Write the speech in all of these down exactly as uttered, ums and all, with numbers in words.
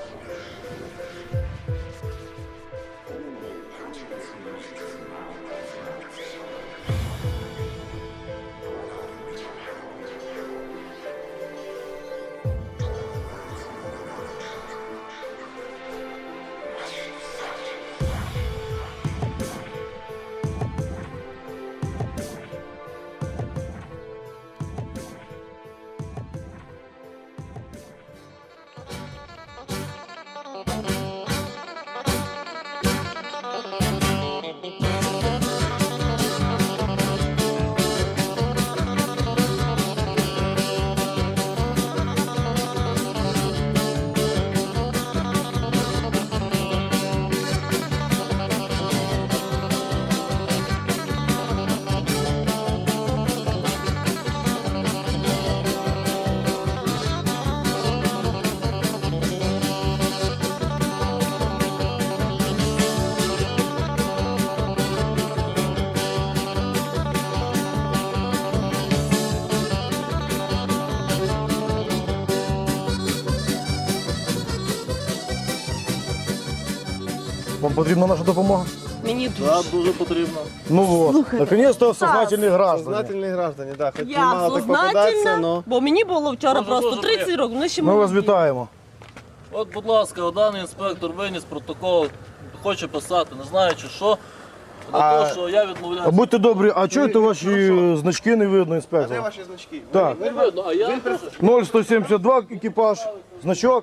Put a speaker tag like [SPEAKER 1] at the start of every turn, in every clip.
[SPEAKER 1] Вам потрібна наша допомога?
[SPEAKER 2] Мені дуже.
[SPEAKER 3] Так, дуже потрібно.
[SPEAKER 1] Ну вот, наконец-то сознательные граждане.
[SPEAKER 4] Сознательные граждане, да. Хоть
[SPEAKER 2] Я
[SPEAKER 4] мало так попадаться,
[SPEAKER 2] сознательна,
[SPEAKER 4] но...
[SPEAKER 2] бо мені було вчора
[SPEAKER 3] Дуже,
[SPEAKER 2] просто
[SPEAKER 3] дуже
[SPEAKER 2] тридцять років. Ми ще
[SPEAKER 1] Ми вас
[SPEAKER 2] молоді.
[SPEAKER 1] вітаємо.
[SPEAKER 3] От, будь ласка, даний інспектор виніс протокол, хоче писати, не знаючи що. До
[SPEAKER 1] А-
[SPEAKER 3] того, що я
[SPEAKER 1] А
[SPEAKER 3] відмовляюся.
[SPEAKER 1] будьте добрі, а чого це ваші
[SPEAKER 4] Хорошо.
[SPEAKER 1] значки не видно,
[SPEAKER 4] А де
[SPEAKER 1] інспектор?
[SPEAKER 4] ваші значки?
[SPEAKER 1] Так,
[SPEAKER 3] Не видно, а я
[SPEAKER 1] нуль сто сімдесят два екіпаж, значок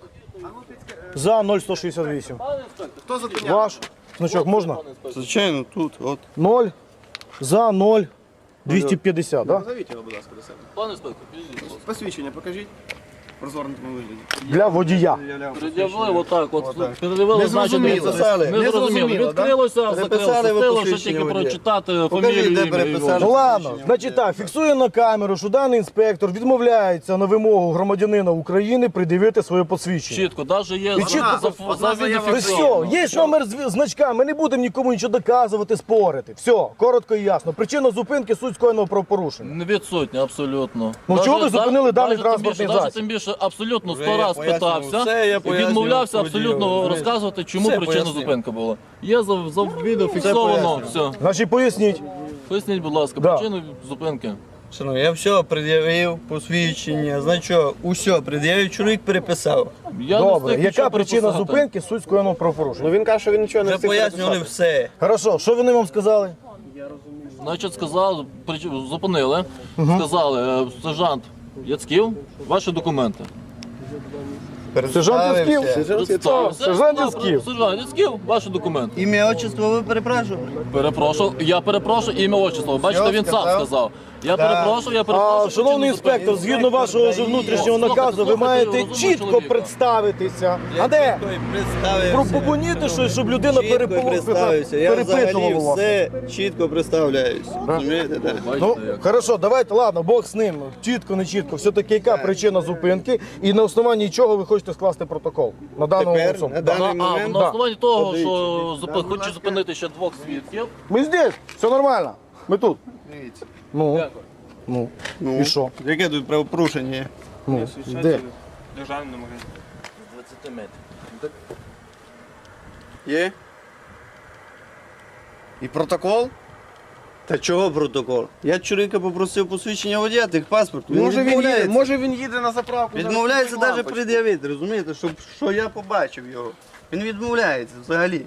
[SPEAKER 1] за нуль сто шістдесят вісім.
[SPEAKER 3] Пане інспектор,
[SPEAKER 4] Хто зупиняв?
[SPEAKER 1] Ваш значок можна?
[SPEAKER 3] пане інспектор.
[SPEAKER 4] Звичайно, тут, от.
[SPEAKER 1] ноль за нуль двісті п'ятдесят, так?
[SPEAKER 4] Позовіть його, будь ласка, до себе.
[SPEAKER 3] Пане інспектор, підійдіть, будь ласка.
[SPEAKER 4] Посвідчення покажіть. В прозорному вигляді.
[SPEAKER 1] Для водія.
[SPEAKER 3] Пред'явили отак, от,
[SPEAKER 4] Отак.
[SPEAKER 3] пред'явили,
[SPEAKER 4] Не
[SPEAKER 3] значить,
[SPEAKER 4] зрозуміло.
[SPEAKER 3] не
[SPEAKER 4] Не
[SPEAKER 3] зрозуміло.
[SPEAKER 4] зрозуміло, да?
[SPEAKER 3] Відкрилося,
[SPEAKER 4] Переписали
[SPEAKER 3] закрилося,
[SPEAKER 4] ви
[SPEAKER 3] стило, що
[SPEAKER 4] посвідчення
[SPEAKER 3] тільки
[SPEAKER 4] водія.
[SPEAKER 3] прочитати
[SPEAKER 4] Покажіть,
[SPEAKER 3] фамілію,
[SPEAKER 4] де
[SPEAKER 3] ім'я,
[SPEAKER 4] переписали.
[SPEAKER 1] Ну
[SPEAKER 3] його.
[SPEAKER 1] ладно, значить так, фіксує на камеру, що даний інспектор відмовляється на вимогу громадянина України пред'явити своє посвідчення.
[SPEAKER 3] Чітко, навіть є
[SPEAKER 1] І чітко
[SPEAKER 3] за-
[SPEAKER 4] одна
[SPEAKER 3] за
[SPEAKER 4] заява
[SPEAKER 1] То
[SPEAKER 3] відеофіксовано.
[SPEAKER 1] все, є номер зв- значка, ми не будемо нікому нічого доказувати, спорити. Все, коротко і ясно. Причина зупинки – суть скоєного правопорушення.
[SPEAKER 3] Не відсутні, абсолютно.
[SPEAKER 1] Ну, чого ви зупинили даний
[SPEAKER 3] навіть
[SPEAKER 1] транспортний
[SPEAKER 3] тим більше, навіть
[SPEAKER 1] засіб?
[SPEAKER 3] тим більше абсолютно
[SPEAKER 4] Вже
[SPEAKER 3] сто
[SPEAKER 4] я
[SPEAKER 3] раз
[SPEAKER 4] пояснював
[SPEAKER 3] питався
[SPEAKER 4] все, я
[SPEAKER 3] і
[SPEAKER 4] пояснював
[SPEAKER 3] відмовлявся
[SPEAKER 4] водію,
[SPEAKER 3] абсолютно
[SPEAKER 4] розумієте?
[SPEAKER 3] розказувати, чому
[SPEAKER 4] Все
[SPEAKER 3] причина
[SPEAKER 4] пояснив.
[SPEAKER 3] зупинки була. Є за, за відео фіксовано, все.
[SPEAKER 1] Значить, поясніть.
[SPEAKER 3] Поясніть, будь ласка,
[SPEAKER 1] Да.
[SPEAKER 3] причину зупинки.
[SPEAKER 5] Шановні, я все пред'явив, посвідчення, значок, усе пред'явив, чоловік переписав.
[SPEAKER 3] Я не
[SPEAKER 1] Добре,
[SPEAKER 3] встиг
[SPEAKER 1] яка
[SPEAKER 3] нічого
[SPEAKER 1] причина
[SPEAKER 3] переписати.
[SPEAKER 1] зупинки – суть скоєного правопорушення?
[SPEAKER 4] Ну він каже, що він нічого не
[SPEAKER 5] Вже
[SPEAKER 4] встиг
[SPEAKER 5] пояснювали
[SPEAKER 4] переписати.
[SPEAKER 5] все.
[SPEAKER 1] Хорошо, що вони вам сказали?
[SPEAKER 3] Значить, сказали, прич- зупинили, сказали, е, сержант Яцьків, ваші документи.
[SPEAKER 1] Сержант Яцьків?
[SPEAKER 5] Представився.
[SPEAKER 3] Представився.
[SPEAKER 1] сержант
[SPEAKER 3] Сказав,
[SPEAKER 1] Яцьків.
[SPEAKER 3] Сержант Яцьків, ваші документи.
[SPEAKER 5] Ім'я, отчество ви перепрошували?
[SPEAKER 3] Перепрошую, я перепрошую ім'я отчество. Бачите,
[SPEAKER 5] Все
[SPEAKER 3] він сам
[SPEAKER 5] сказав.
[SPEAKER 3] сказав. Я перепрошую, я перепрошую.
[SPEAKER 1] А, шановний
[SPEAKER 3] причину зупинки.
[SPEAKER 1] інспектор, згідно вашого ж внутрішнього
[SPEAKER 3] Слухайте,
[SPEAKER 1] наказу, ви
[SPEAKER 3] слухайте
[SPEAKER 1] маєте
[SPEAKER 3] розумного
[SPEAKER 1] чітко
[SPEAKER 3] чоловіка.
[SPEAKER 1] представитися. А де?
[SPEAKER 5] Той представився.
[SPEAKER 1] Пропобоніти щось, щоб людина
[SPEAKER 5] Чітко
[SPEAKER 1] перепо-
[SPEAKER 5] представився. Я взагалі
[SPEAKER 1] перепитувала вас.
[SPEAKER 5] все чітко представляюсь. Розумієте, так?
[SPEAKER 3] Бачите,
[SPEAKER 1] Ну,
[SPEAKER 3] як.
[SPEAKER 1] хорошо, давайте, ладно, Бог з ним. Чітко, не чітко. Все-таки яка причина зупинки і на основанні чого ви хочете скласти протокол на даному
[SPEAKER 5] Тепер,
[SPEAKER 1] особу?
[SPEAKER 5] на
[SPEAKER 1] Да.
[SPEAKER 5] даний
[SPEAKER 3] А, а,
[SPEAKER 5] момент,
[SPEAKER 3] на основанні того,
[SPEAKER 5] Подивіться.
[SPEAKER 3] що зуп... хочу зупинити ще двох свідків.
[SPEAKER 1] Ми здесь, все нормально. Ми тут.
[SPEAKER 5] дивіться.
[SPEAKER 1] Ну,
[SPEAKER 3] Дякую.
[SPEAKER 1] ну,
[SPEAKER 5] Ну,
[SPEAKER 1] і що?
[SPEAKER 5] яке тут правопорушення є?
[SPEAKER 1] Ну, де?
[SPEAKER 3] двадцять метрів.
[SPEAKER 5] Є? І протокол? Та чого протокол? Я чоловіка попросив посвідчення водія, тих паспорт. Він
[SPEAKER 4] Може він, їде,
[SPEAKER 5] відмовляється.
[SPEAKER 4] може він їде на заправку.
[SPEAKER 5] Відмовляється
[SPEAKER 4] зараз
[SPEAKER 5] навіть
[SPEAKER 4] лампочку.
[SPEAKER 5] пред'явити, розумієте, щоб що я побачив його. Він відмовляється взагалі.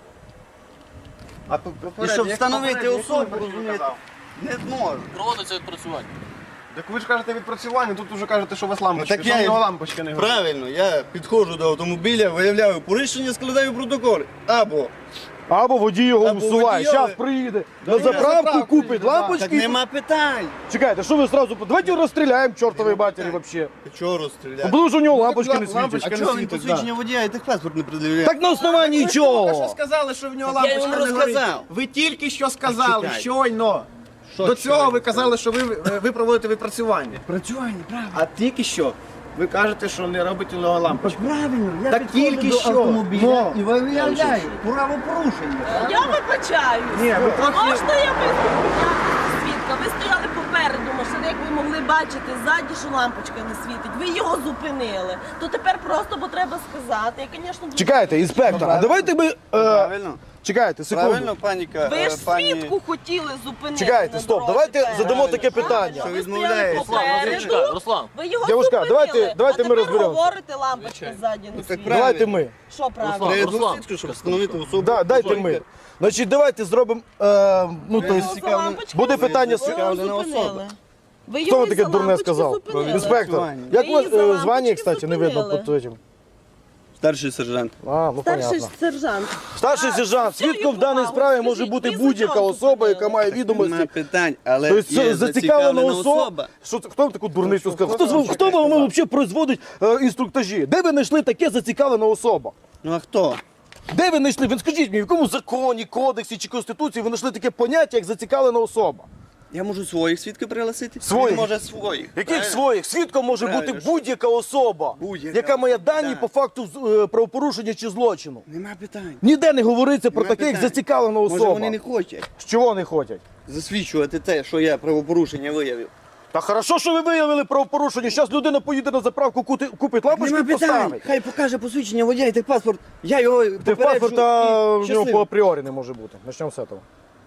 [SPEAKER 4] А по-
[SPEAKER 5] І
[SPEAKER 4] попередньо,
[SPEAKER 5] щоб
[SPEAKER 4] як
[SPEAKER 5] встановити
[SPEAKER 4] попередньо,
[SPEAKER 5] особу,
[SPEAKER 4] як він
[SPEAKER 5] розумієте,
[SPEAKER 4] казав.
[SPEAKER 5] не зможе.
[SPEAKER 3] Проводиться відпрацювання.
[SPEAKER 4] Так ви ж кажете відпрацювання, тут вже кажете, що у вас лампочка.
[SPEAKER 5] Ну, так
[SPEAKER 4] що
[SPEAKER 5] я
[SPEAKER 4] в нього
[SPEAKER 5] і-
[SPEAKER 4] лампочка не горить.
[SPEAKER 5] Правильно, я підходжу до автомобіля, виявляю порушення, складаю протокол. Або
[SPEAKER 1] Або водій його
[SPEAKER 5] Або
[SPEAKER 1] усуває.
[SPEAKER 5] водій,
[SPEAKER 1] Зараз
[SPEAKER 5] але-
[SPEAKER 1] приїде
[SPEAKER 5] Да
[SPEAKER 1] на
[SPEAKER 5] ні,
[SPEAKER 1] заправку,
[SPEAKER 4] заправку
[SPEAKER 1] купить
[SPEAKER 4] їде, да.
[SPEAKER 5] так
[SPEAKER 1] лампочки.
[SPEAKER 5] нема питань.
[SPEAKER 1] Чекайте, що ви сразу... Давайте його розстріляємо, чортовій матері, вообще.
[SPEAKER 5] Чого
[SPEAKER 1] Ну,
[SPEAKER 5] розстріляти?
[SPEAKER 1] тому що у нього
[SPEAKER 4] Ну,
[SPEAKER 1] лампочки
[SPEAKER 4] так
[SPEAKER 1] не
[SPEAKER 4] лампочка
[SPEAKER 1] світять.
[SPEAKER 5] А
[SPEAKER 4] не
[SPEAKER 5] чого він
[SPEAKER 4] світить,
[SPEAKER 5] посвідчення водія і техпаспорт не пред'являє?
[SPEAKER 1] Так на основанні
[SPEAKER 4] Ви ж тільки що
[SPEAKER 1] чого?
[SPEAKER 4] сказали, що в нього
[SPEAKER 5] Так я
[SPEAKER 4] лампочка
[SPEAKER 5] йому
[SPEAKER 4] не горить.
[SPEAKER 5] розказав.
[SPEAKER 4] Ви тільки що сказали,
[SPEAKER 5] чекайте.
[SPEAKER 4] щойно. До цього ви казали, що ви, ви проводите відпрацювання.
[SPEAKER 5] Працювання, правильно.
[SPEAKER 4] А тільки що ви кажете, що не робить у нього лампочку.
[SPEAKER 5] Правильно, я
[SPEAKER 4] Так
[SPEAKER 5] підходжу
[SPEAKER 4] тільки
[SPEAKER 5] до
[SPEAKER 4] що.
[SPEAKER 5] автомобіля
[SPEAKER 4] Ну.
[SPEAKER 5] і виявляю правопорушення.
[SPEAKER 2] Я вибачаюсь.
[SPEAKER 4] Ні, ви трохи-
[SPEAKER 2] Можна я виступлю? Я свідка. Ви стояли попереду машини, як ви могли бачити ззаді, що лампочка не світить. Ви його зупинили. То тепер просто, бо треба сказати. Я, звісно, буду-
[SPEAKER 1] Чекайте, інспектор, а давайте ми. Е,
[SPEAKER 5] Правильно?
[SPEAKER 1] чекайте, секунду.
[SPEAKER 5] Правильно, паніка?
[SPEAKER 2] Ви
[SPEAKER 5] е,
[SPEAKER 2] ж
[SPEAKER 5] пані...
[SPEAKER 2] свідку хотіли зупинити.
[SPEAKER 1] Чекайте,
[SPEAKER 2] на
[SPEAKER 1] стоп,
[SPEAKER 2] дорозі
[SPEAKER 1] давайте
[SPEAKER 2] перед.
[SPEAKER 1] задамо таке питання.
[SPEAKER 5] Що
[SPEAKER 2] Ви
[SPEAKER 5] відмовляєте?
[SPEAKER 2] стояли
[SPEAKER 3] Руслан,
[SPEAKER 2] попереду,
[SPEAKER 3] чекай, Руслан.
[SPEAKER 2] Ви його
[SPEAKER 1] Дівушка,
[SPEAKER 2] зупинили,
[SPEAKER 1] давайте- давайте
[SPEAKER 2] а
[SPEAKER 1] ми
[SPEAKER 2] тепер
[SPEAKER 1] розберемося.
[SPEAKER 2] говорите, лампочка ззаді не світить.
[SPEAKER 5] правильно.
[SPEAKER 1] Давайте ми.
[SPEAKER 2] Що правильно?
[SPEAKER 3] Руслан,
[SPEAKER 5] Треба одну
[SPEAKER 3] Руслан.
[SPEAKER 5] свідку, щоб встановити особу.
[SPEAKER 1] Да, дайте ми. Значить, давайте зробимо. Е, ну, то
[SPEAKER 2] Ви
[SPEAKER 1] есть,
[SPEAKER 2] його за лампочку
[SPEAKER 1] буде
[SPEAKER 2] зупинили.
[SPEAKER 1] питання.
[SPEAKER 2] Ви його
[SPEAKER 5] зацікавлена
[SPEAKER 2] зупинили.
[SPEAKER 5] особа.
[SPEAKER 2] Ви
[SPEAKER 1] Хто
[SPEAKER 2] його
[SPEAKER 1] вам таке
[SPEAKER 2] за
[SPEAKER 1] дурне
[SPEAKER 2] лампочку
[SPEAKER 1] сказав?
[SPEAKER 2] зупинили.
[SPEAKER 1] Інспектор, як
[SPEAKER 2] Ви
[SPEAKER 1] ви
[SPEAKER 2] її за
[SPEAKER 1] е,
[SPEAKER 2] лампочки
[SPEAKER 1] звання, кстати, не видно
[SPEAKER 2] зупинили.
[SPEAKER 1] під цим?
[SPEAKER 5] Старший сержант.
[SPEAKER 1] А, ну
[SPEAKER 2] Старший
[SPEAKER 1] понятно.
[SPEAKER 2] сержант.
[SPEAKER 1] Старший сержант,
[SPEAKER 2] всю
[SPEAKER 1] свідком в даній
[SPEAKER 2] повагу,
[SPEAKER 1] справі може
[SPEAKER 2] скажіть,
[SPEAKER 1] бути
[SPEAKER 2] ви
[SPEAKER 1] будь-яка
[SPEAKER 2] за чого
[SPEAKER 1] особа, яка
[SPEAKER 2] зупинили?
[SPEAKER 1] має
[SPEAKER 5] Нема
[SPEAKER 1] відомості.
[SPEAKER 5] питань, але
[SPEAKER 1] Тобто
[SPEAKER 5] є
[SPEAKER 1] це зацікавлена особа.
[SPEAKER 5] особа.
[SPEAKER 1] Що це- хто вам таку дурницю сказав? Хто, з вам- хто вам взагалі производить е, інструктажі? Де ви знайшли таке зацікавлена особа?
[SPEAKER 5] Ну а хто?
[SPEAKER 1] Де ви знайшли? Ви скажіть мені, в якому законі, кодексі чи конституції ви знайшли таке поняття, як зацікавлена особа?
[SPEAKER 5] Я можу своїх свідків пригласити?
[SPEAKER 1] Своїх?
[SPEAKER 5] Він може своїх.
[SPEAKER 1] Яких
[SPEAKER 5] правильно?
[SPEAKER 1] своїх? Свідком може
[SPEAKER 5] Правильно,
[SPEAKER 1] бути
[SPEAKER 5] що?
[SPEAKER 1] будь-яка особа,
[SPEAKER 5] Будь-яка
[SPEAKER 1] яка має
[SPEAKER 5] особа,
[SPEAKER 1] дані
[SPEAKER 5] да.
[SPEAKER 1] по факту е, правопорушення чи злочину.
[SPEAKER 5] Нема питань.
[SPEAKER 1] Ніде не говориться про
[SPEAKER 5] Нема
[SPEAKER 1] таке, як
[SPEAKER 5] питань.
[SPEAKER 1] зацікавлена
[SPEAKER 5] Може
[SPEAKER 1] особа.
[SPEAKER 5] вони не хочуть
[SPEAKER 1] Чого не хочуть?
[SPEAKER 5] засвідчувати те, що я правопорушення виявив.
[SPEAKER 1] Та хорошо, що ви виявили правопорушення. Зараз людина поїде на заправку, кути- купить лампочку і
[SPEAKER 5] Нема питань.
[SPEAKER 1] поставить.
[SPEAKER 5] Хай покаже посвідчення водія і техпаспорт. Я його
[SPEAKER 1] Ти
[SPEAKER 5] попереджу
[SPEAKER 1] паспорта
[SPEAKER 5] і
[SPEAKER 1] в нього
[SPEAKER 5] щасливо.
[SPEAKER 1] по апріорі не може бути. Почнемо з цього.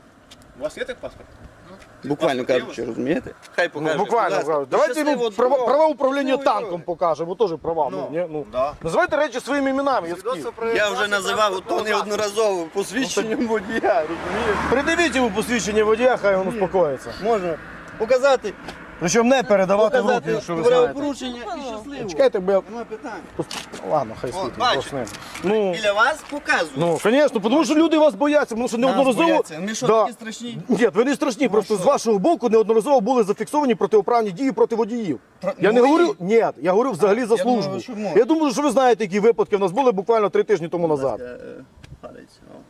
[SPEAKER 4] У вас є техпаспорт?
[SPEAKER 5] Буквально кажучи, розумієте? Хай покаже.
[SPEAKER 1] Ну, буквально.
[SPEAKER 5] будь ласка.
[SPEAKER 1] кажу. Давайте
[SPEAKER 5] Щасливо
[SPEAKER 1] ну, права,
[SPEAKER 5] дорога.
[SPEAKER 1] права управління
[SPEAKER 5] Щасливої
[SPEAKER 1] танком
[SPEAKER 5] дороги.
[SPEAKER 1] покажемо, бо теж права. Ну, ні? Ну,
[SPEAKER 4] Да.
[SPEAKER 1] називайте речі своїми іменами. Яцькі.
[SPEAKER 5] Я вже називав то неодноразово посвідченням водія, розумієш?
[SPEAKER 1] Придивіть йому посвідчення водія, хай він успокоїться.
[SPEAKER 5] Можна показати,
[SPEAKER 1] Причому не передавати в руки,
[SPEAKER 5] показати
[SPEAKER 1] якщо ви знаєте.
[SPEAKER 5] правопорушення і щасливо.
[SPEAKER 1] Чекайте, бо я...
[SPEAKER 5] Нема питань.
[SPEAKER 1] Ладно, хай світить.
[SPEAKER 5] бачите.
[SPEAKER 1] Бог з ним. Ну,
[SPEAKER 5] Біля вас показую.
[SPEAKER 1] ну, звісно, тому що люди вас бояться, тому що неодноразово...
[SPEAKER 5] бояться. Ми що, такі страшні?
[SPEAKER 1] Ні, ви не страшні, просто з вашого боку неодноразово були зафіксовані протиправні дії проти водіїв. Я не
[SPEAKER 5] мої?
[SPEAKER 1] говорю, ні, я говорю взагалі за
[SPEAKER 5] Я думаю,
[SPEAKER 1] службу.
[SPEAKER 5] що мої.
[SPEAKER 1] Я думаю, що ви знаєте, які випадки в нас були буквально три тижні тому назад.
[SPEAKER 5] Е, е, падається, о.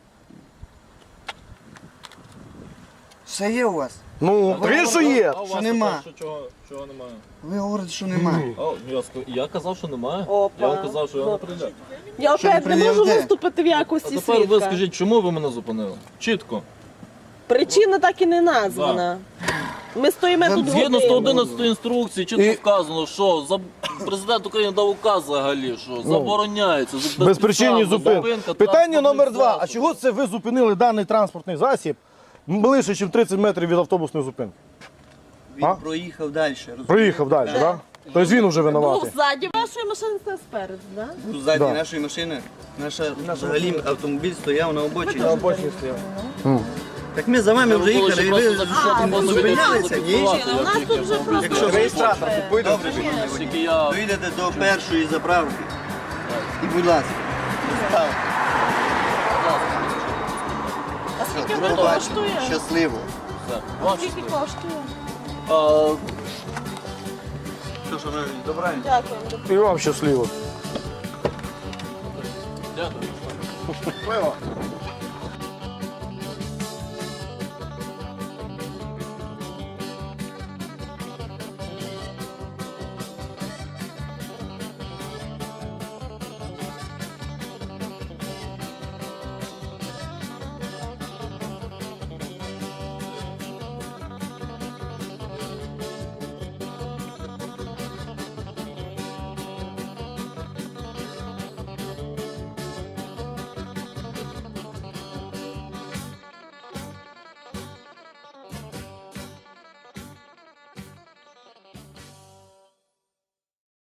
[SPEAKER 5] Все є у вас?
[SPEAKER 1] Ну, звісно, є.
[SPEAKER 3] А у
[SPEAKER 5] Що
[SPEAKER 3] вас
[SPEAKER 5] нема?
[SPEAKER 3] таке, що чого, чого немає?
[SPEAKER 5] Ви говорите, що немає.
[SPEAKER 3] А, я, ск- я казав, що немає.
[SPEAKER 2] Опа.
[SPEAKER 3] Я вам казав, що я не прийду.
[SPEAKER 2] Я
[SPEAKER 5] Що
[SPEAKER 2] опять
[SPEAKER 5] ви
[SPEAKER 2] не можу
[SPEAKER 5] пред'явите?
[SPEAKER 2] виступити в
[SPEAKER 3] А
[SPEAKER 2] якості
[SPEAKER 3] тепер ви
[SPEAKER 2] свідка.
[SPEAKER 3] скажіть, чому ви мене зупинили? Чітко.
[SPEAKER 2] Причина так і не названа. Ми стоїмо тут
[SPEAKER 3] Згідно
[SPEAKER 2] годину.
[SPEAKER 3] сто одинадцятої інструкції чітко
[SPEAKER 1] І-
[SPEAKER 3] вказано, що за... президент України дав указ взагалі, що забороняється. за-
[SPEAKER 1] Безпричинні
[SPEAKER 3] безпідставна
[SPEAKER 1] зупинки.
[SPEAKER 3] зупинка
[SPEAKER 1] Питання
[SPEAKER 3] транспортних
[SPEAKER 1] номер два. А
[SPEAKER 3] засобів.
[SPEAKER 1] чого це ви зупинили даний транспортний засіб ближче, ніж тридцять метрів від автобусної зупинки?
[SPEAKER 5] Він
[SPEAKER 1] А?
[SPEAKER 5] проїхав далі. розумієте?
[SPEAKER 1] Проїхав далі, так? Тобто він вже
[SPEAKER 2] Був
[SPEAKER 1] винуватий.
[SPEAKER 2] ззаді вашої машини, це спереду, так?
[SPEAKER 5] Тут ззаді
[SPEAKER 1] Да.
[SPEAKER 5] нашої машини, наша взагалі автомобіль стояв на обочині. Так ми за вами вже
[SPEAKER 3] Треба було
[SPEAKER 5] їхали, і
[SPEAKER 3] ще
[SPEAKER 5] ви
[SPEAKER 3] просто зафіксувати
[SPEAKER 2] А,
[SPEAKER 3] посвідчення,
[SPEAKER 5] зупинялися? Ні.
[SPEAKER 3] зафіксувати,
[SPEAKER 2] У нас
[SPEAKER 3] я
[SPEAKER 2] тут вже
[SPEAKER 3] тільки-
[SPEAKER 2] просто
[SPEAKER 5] Якщо
[SPEAKER 2] реєстратор
[SPEAKER 5] Добре,
[SPEAKER 3] Тільки я...
[SPEAKER 5] доїдете до першої заправки. І будь ласка. Ставте.
[SPEAKER 2] А скільки
[SPEAKER 5] До
[SPEAKER 2] воно
[SPEAKER 5] побачення.
[SPEAKER 2] коштує?
[SPEAKER 5] Щасливо.
[SPEAKER 3] Все. Вам
[SPEAKER 2] Скільки
[SPEAKER 3] щасливо.
[SPEAKER 2] коштує?
[SPEAKER 3] А,
[SPEAKER 5] Що, шановні, добра.
[SPEAKER 2] Дякую.
[SPEAKER 1] І вам щасливо.
[SPEAKER 3] Дякую.
[SPEAKER 4] Пиво.